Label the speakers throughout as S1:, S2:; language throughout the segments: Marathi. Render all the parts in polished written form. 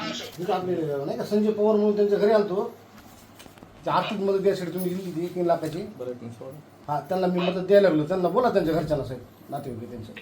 S1: तिथं आपले नाही का संजय पवार म्हणून त्यांच्या घरी आलतो. ते आर्थिक मदत द्यायसाठी तुम्ही दिली ती 3 लाखाची. हा, त्यांना मी मदत द्यायला लागलो. त्यांना बोला त्यांच्या घरच्यांना साहेब, नातेवाईक त्यांच्या.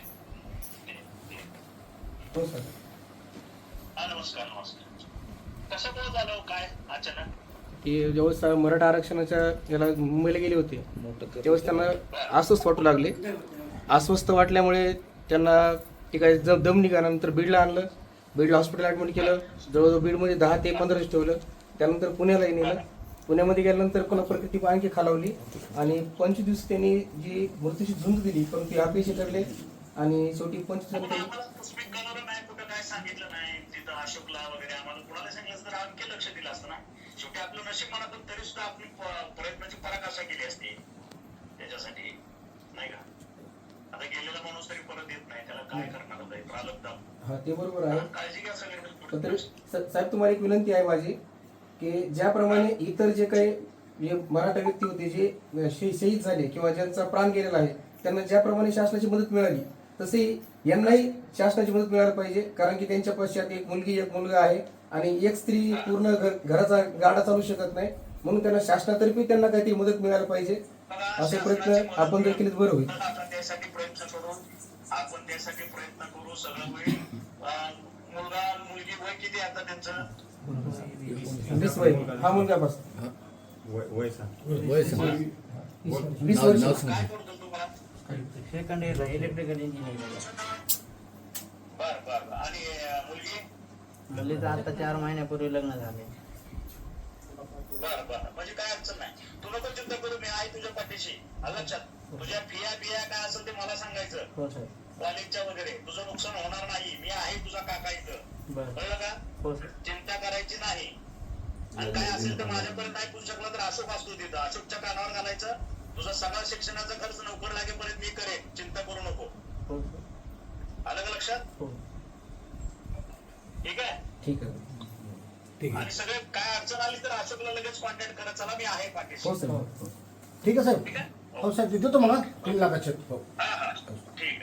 S1: हो सर.
S2: नमस्कार. कसं काय झालं काय अचानक?
S3: की ज्यावेळेस मराठा आरक्षणाच्या याला मुंबईला गेले होते त्यावेळेस त्यांना अस्वस्थ वाटू लागले. अस्वस्थ वाटल्यामुळे त्यांना ते काय दम निघाल्यानंतर बीडला आणलं. बीडला हॉस्पिटल ॲडमिट केलं. जवळजवळ बीडमध्ये 10 ते 15 दिवस ठेवलं. त्यानंतर पुण्यालाही नेलं. पुण्यामध्ये गेल्यानंतर पुन्हा प्रकृती आणखी खालावली आणि 25 दिवस त्यांनी जी मृत्यूची झुंज दिली पण ती अपयशी ठरले आणि शेवटी 25
S2: नाही कुठं काय सांगितलं नाही तिथं अशोकला वगैरे आम्हाला कुणाला सांगितलं तर आणखी लक्ष दिलं असतं ना. शेवटी आपलं नशीब म्हणा पण तरी सुद्धा आपली प्रयत्नाची पराकाष्ठा केली असते त्याच्यासाठी नाही का. आता गेलेला माणूस तरी परत येत नाही त्याला काय करणार होता प्रारब्ध.
S3: हा ते बरोबर आहे.
S2: काळजी घ्या सगळे.
S3: पण तरी साहेब तुम्हाला एक विनंती आहे माझी की ज्याप्रमाणे इतर जे काही मराठा व्यक्ती होते जे शहीद झाले किंवा ज्यांचा प्राण गेलेला आहे त्यांना ज्याप्रमाणे शासनाची मदत मिळाली तसे यांनाही शासनाची मदत मिळायला पाहिजे. कारण की त्यांच्या पश्चात एक मुलगी एक मुलगा आहे आणि एक स्त्री पूर्ण घराचा गाडा चालू शकत नाही. म्हणून त्यांना शासनातर्फे त्यांना काहीतरी मदत मिळायला पाहिजे असे प्रयत्न आपण जर केले तर बरं होईल.
S2: आपण त्यासाठी प्रयत्न करू. आपण त्यासाठी प्रयत्न करू. सगळं होईल. मुलगा मुलगी वय किती आता त्यांचं?
S3: 20 वय. हा मुलगा बस
S4: वय सांग.
S3: 20 वर्ष.
S2: काय करतो तुम्हाला?
S5: सेकंड इयरला इलेक्ट्रिकल इंजिनिअरिंग.
S2: बर आणि मुलगी?
S5: मुलीचं आता 4 महिन्यापूर्वी लग्न झाले.
S2: बर म्हणजे काय अडचण नाही. तू नको चिंता करू. मी आहे तुझ्या पाठीशी. लक्षात. तुझ्या फिया काय असेल ते मला सांगायचं.
S5: हो सर.
S2: कॉलेजच्या वगैरे तुझं नुकसान होणार नाही. मी आहे तुझा काका इथं.
S5: बरं.
S2: कळलं का?
S5: हो सर.
S2: चिंता करायची नाही. आणि काय असेल तर माझ्यापर्यंत ऐकून शकला तर अशोक असतो तिथं. अशोकच्या कानावर घालायचं. तुझा सगळा शिक्षणाचा खर्च नोकर लागेपर्यंत मी करेन. चिंता करू नको.
S5: हो सर.
S2: आलं का लक्षात?
S5: हो.
S2: ठीक आहे.
S3: ठीक आहे.
S2: आणि सगळे काय अडचण आली तर अशोकला लगेच कॉन्टॅक्ट करा. चला मी आहे पाठीशी.
S3: हो सर.
S1: ठीक आहे साहेब.
S2: ठीक आहे.
S1: हो साहेब, देतो मला 3 लाखाचे. हो.
S2: हा ठीक आहे.